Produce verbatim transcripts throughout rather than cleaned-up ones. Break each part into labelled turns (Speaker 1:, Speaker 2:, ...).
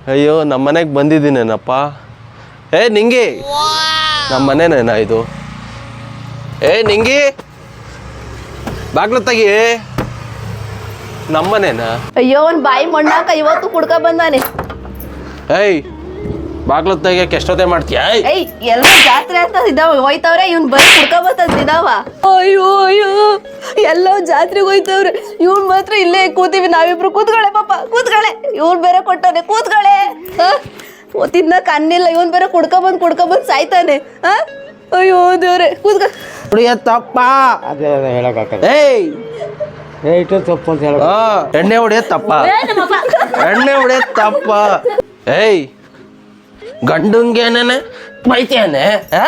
Speaker 1: ಅಯ್ಯೋ ನಮ್ಮ ಮನೆಗೆ ಬಂದಿದ್ದೀನೇನಪ್ಪ. ಏ ನಿಂಗಿ, ನಮ್ಮ ಮನೆನೇನಾ ಇದು? ಏ ನಿಂಗಿ, ಬಾಗ್ಲು ತೆಗಿ. ನಮ್ಮನೇನಾ?
Speaker 2: ಅಯ್ಯೋ ಒಂದ್ ಬಾಯಿ ಮಣ್ಣಾಕ ಇವತ್ತು ಕುಡ್ಕ ಬಂದಾನೆ.
Speaker 1: ಏಯ್ ಬಾಗ್ಲು ತೆಗಿಯಕ್ಕೆ ಎಷ್ಟೊತ್ತೆ ಮಾಡ್ತೀಯ?
Speaker 2: ಏಯ್ ಎಲ್ಲ ಜಾತ್ರೆ ಅಂತ ಇದಾವ ಹೋಯ್ತವ್ರೆ, ಇವ್ನ್ ಬರೀ ಕುಡ್ಕ ಬಂತಂತ ಇದಾವ. ಅಯ್ಯೋ ಅಯ್ಯೋ ಎಲ್ಲೋ ಜಾತ್ರೆಗೆ ಹೋಯ್ತವ್ರೆ, ಇವ್ನ್ ಮಾತ್ರ ಇಲ್ಲೇ ಕೂತೀವಿ ನಾವಿಬ್ರು. ಕೂತ್ಕೊಳ್ಳೆ ಪಾಪ, ಕೂತ್ಕೊಳ್ಳೆ. ಇವ್ನ್ ಬೇರೆ ಕೊಟ್ಟವ್ರೆ, ಕೂತ್ಕೊಳ್ಳೆ. ತಿನ್ನಕ್ ಅನ್ನಿಲ್ಲ, ಇವನ್ ಬೇರೆ ಕುಡ್ಕ ಬಂದ್ ಕುಡ್ಕ ಬಂದ್ ಸಾಯ್ತಾನೆ. ಹ ಅಯ್ಯೋ ದೇವ್ರೆ, ಕೂತ್ಕ.
Speaker 1: ತಪ್ಪ
Speaker 3: ಅದೇ ಹೇಳಕ್ಕಾಗಲ್ಲ.
Speaker 1: ಏಯ್
Speaker 3: ಇಟ್ಟು ತಪ್ಪು ಅಂತ ಹೇಳ.
Speaker 1: ಎಣ್ಣೆ ಹೊಡೆಯೋದು ತಪ್ಪ, ಎಣ್ಣೆ ಹೊಡೆಯೋದು ತಪ್ಪ. ಏಯ್ ಗಂಡಂಗೇನೇನೆ ಬೈತೇನೆ?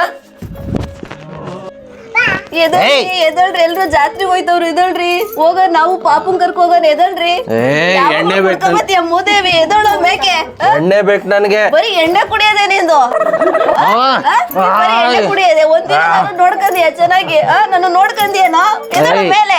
Speaker 2: ಎದಳ್ರಿ ಎದಳ್ರಿ, ಎಲ್ರು ಜಾತ್ರೆಗೆ ಹೋಯ್ತವ್ರು. ಎದಳ್ರಿ ಹೋಗ, ನಾವು ಪಾಪನ್ ಕರ್ಕ ಹೋಗೋಣ. ಎದಳ್ರಿ.
Speaker 1: ಎಣ್ಣೆ ಬೇಕು,
Speaker 2: ಮೂದೇವಿ ಎದಳು ಮೇಕೆ.
Speaker 1: ಎಣ್ಣೆ ಬೇಕು ನನ್ಗೆ.
Speaker 2: ಬರೀ ಎಣ್ಣೆ ಕುಡಿಯೋದೇ ನಿಂದು? ಬರೀ ಎಣ್ಣೆ ಕುಡಿಯೋದೆ. ಒಂದಿನ ನಾನು ನೋಡ್ಕಂದಿಯ ಚೆನ್ನಾಗಿ? ನಾನು ನೋಡ್ಕಂದಿಯೇನೋ? ಎದಳು ಮೇಲೆ.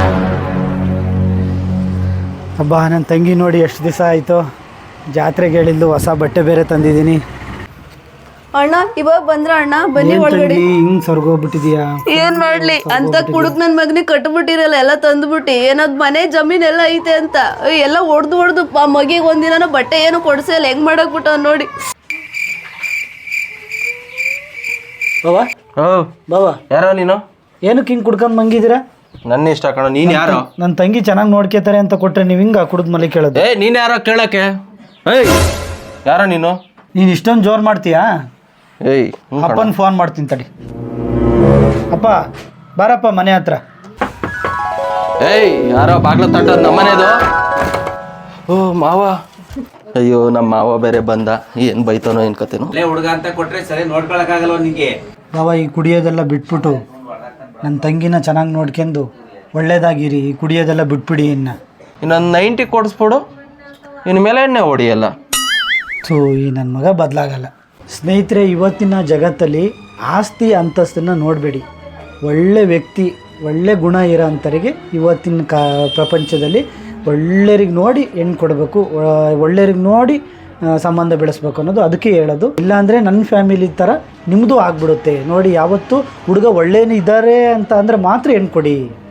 Speaker 3: ಹಬ್ಬ ನನ್ನ ತಂಗಿ ನೋಡಿ ಎಷ್ಟು ದಿವಸ ಆಯಿತು. ಜಾತ್ರೆಗೆ ಹೇಳಿದ್ದು ಹೊಸ ಬಟ್ಟೆ ಬೇರೆ ತಂದಿದ್ದೀನಿ.
Speaker 2: ಅಣ್ಣ ಇವಾಗ ಬಂದ್ರ ಅಣ್ಣ? ಬನ್ನಿ ಒಳಗಡೆ.
Speaker 3: ಹಿಂಗ್ ಸರ್ಗೋಗ್ಬಿಟ್ಟಿದ್ಯಾ?
Speaker 2: ಏನ್ ಮಾಡ್ಲಿ ಅಂತ ಕುಡುಕ್ ನನ್ ಮಗನಿಗೆ ಕಟ್ಬಿಟ್ಟಿರಲ್ಲ, ಎಲ್ಲ ತಂದ್ಬಿಟ್ಟಿ. ಏನದ್ ಮನೆ ಜಮೀನ್ ಎಲ್ಲ ಐತೆ ಅಂತ ಎಲ್ಲ ಹೊಡ್ದು ಹೊಡ್ದು ಮಗಿಗೆ ಒಂದಿನ ಬಟ್ಟೆ ಏನು ಕೊಡ್ಸಲ್ಲ. ಹೆಂಗ್ ಮಾಡಕ್ ಬಿಟ್ಟ ನೋಡಿ.
Speaker 3: ಬಾಬಾ
Speaker 1: ಓ
Speaker 3: ಬಾಬಾ,
Speaker 1: ಯಾರೋ ನೀನು?
Speaker 3: ಏನಕ್ಕೆ ಹಿಂಗೆ ಕುಡ್ಕೊಂಡ್ ಮಂಗಿದ್ದೀರಾ?
Speaker 1: ನನ್ನ ಇಷ್ಟ ಕಣ. ನೀನ್ ಯಾರೋ?
Speaker 3: ನನ್ನ ತಂಗಿ ಚೆನ್ನಾಗಿ ನೋಡ್ಕೋತಾರೆ ಅಂತ ಕೊಟ್ರೆ ನೀವು ಹಿಂಗ ಕುಡಿದ್ ಮಲಿ ಕೇಳೋದು?
Speaker 1: ಏ ನೀನ್ ಯಾರೋ ಕೇಳಕ್ಕೆ? ಏಯ್ ಯಾರೋ ನೀನು?
Speaker 3: ನೀನು ಇಷ್ಟೊಂದು ಜೋರು ಮಾಡ್ತೀಯಾ?
Speaker 1: ಏಯ್
Speaker 3: ಅಪ್ಪನ ಫೋನ್ ಮಾಡ್ತೀನಿ ತಡಿ. ಅಪ್ಪ ಬಾರಪ್ಪ ಮನೆ ಹತ್ರ.
Speaker 1: ಏಯ್ ಯಾರೋ ಬಾಗ್ಲ ತಟ್ಟದ್ ನಮ್ಮನೇದು? ಓ ಮಾವ. ಅಯ್ಯೋ ನಮ್ಮ ಮಾವ ಬೇರೆ ಬಂದ, ಏನ್ ಬೈತಾನೋ ಏನ್ ಕತೆನೋ.
Speaker 4: ಹುಡುಗ ಅಂತ ಕೊಟ್ರೆ ಸರಿ ನೋಡ್ಕೊಳಕ್ಕಾಗಲ್ಲ ನಿಂಗೆ.
Speaker 3: ಬಾಬಾ ಈ ಕುಡಿಯೋದೆಲ್ಲ ಬಿಟ್ಬಿಟ್ಟು ನನ್ನ ತಂಗಿನ ಚೆನ್ನಾಗಿ ನೋಡ್ಕೊಂಡು ಒಳ್ಳೇದಾಗಿರಿ. ಈ ಕುಡಿಯೋದೆಲ್ಲ ಬಿಟ್ಬಿಡಿ. ಇನ್ನು
Speaker 1: ಇನ್ನೊಂದು ನೈಂಟಿ ಕೊಡಿಸ್ಬಿಡು, ಇನ್ನು ಮೇಲೆ ಎಣ್ಣೆ ಹೊಡಿಯಲ್ಲ.
Speaker 3: ಸೊ ಈ ನನ್ನ ಮಗ ಬದಲಾಗಲ್ಲ. ಸ್ನೇಹಿತರೆ, ಇವತ್ತಿನ ಜಗತ್ತಲ್ಲಿ ಆಸ್ತಿ ಅಂತಸ್ತನ್ನು ನೋಡಬೇಡಿ. ಒಳ್ಳೆ ವ್ಯಕ್ತಿ, ಒಳ್ಳೆ ಗುಣ ಇರೋ ಅಂಥವರಿಗೆ ಇವತ್ತಿನ ಕಾ ಪ್ರಪಂಚದಲ್ಲಿ ಒಳ್ಳೆಯರಿಗೆ ನೋಡಿ ಹೆಣ್ಣು ಕೊಡಬೇಕು, ಒಳ್ಳೆಯರಿಗೆ ನೋಡಿ ಸಂಬಂಧ ಬೆಳೆಸ್ಬೇಕು ಅನ್ನೋದು ಅದಕ್ಕೆ ಹೇಳೋದು. ಇಲ್ಲಾಂದರೆ ನನ್ನ ಫ್ಯಾಮಿಲಿ ಥರ ನಿಮ್ಮದು ಆಗ್ಬಿಡುತ್ತೆ ನೋಡಿ. ಯಾವತ್ತು ಹುಡುಗ ಒಳ್ಳೆಯೂ ಇದ್ದಾರೆ ಅಂತ ಅಂದರೆ ಮಾತ್ರ ಹೆಣ್ಣು ಕೊಡಿ.